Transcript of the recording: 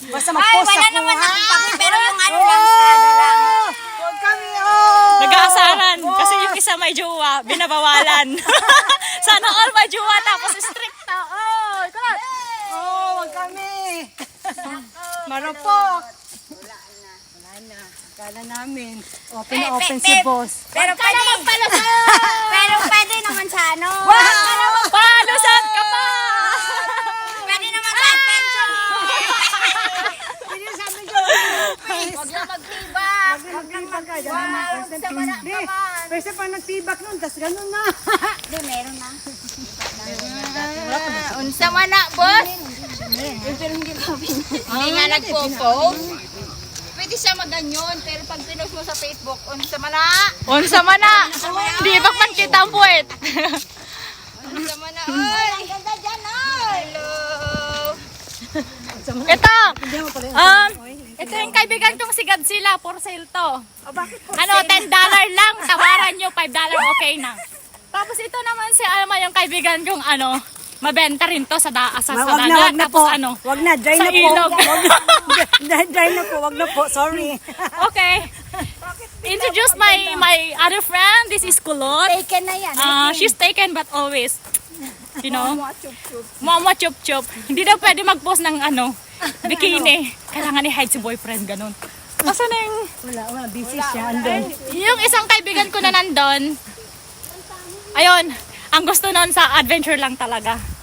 Basta mag-post wala ako, naman ha? akong paki, pero yung ano lang sa ano lang. Huwag kami, oh! Nag-aasaran. Kasi yung isa may jowa, binabawalan. Sana all may jowa, tapos stricta. Oh, ikaw. Oh, huwag kami. Marupok. Wala na. Akala namin. Open na open si boss. Pero pwede pero pwede naman sa ano. Palusot ka pa! Pwede naman sa pension. Hindi sabi ko. Huwag lang magtibak. Huwag lang magtibak. Wow, sa wala Hindi. naman. Pwede pa nagtibak nun, tas ganun na. Hindi, meron na. Unsa man na, boss? Hindi nga nagpo-post. Pwede siya maganyon, pero pag pinost mo sa Facebook, unsa man na? Unsa man na! Di ba man kita ang puwet? Unsa man na, oy! Ang ganda dyan, oy! Hello! Ito! Ito yung kaibigan kong si Godzilla, for sale to. Ano, $10 lang, tawaran nyo, $5 okay na. Tapos ito naman si Alma, yung kaibigan kong ano, mabenta rin to sa dagat. Wag na Tapos po. ano, Wag na, dry sa na po. ilog. Dry na po, wag na po. Sorry. Okay. Introduce my other friend. This is Kulot. Taken na yan. She's taken but always, you know, mama chup chup. Hindi daw pwede mag-post ng ano, bikini. Kailangan i-hide si boyfriend, ganun. Asa na yung... Wala, busy siya. Andun. Yung isang kaibigan ko na nandun, ayun, ang gusto nun sa adventure lang talaga.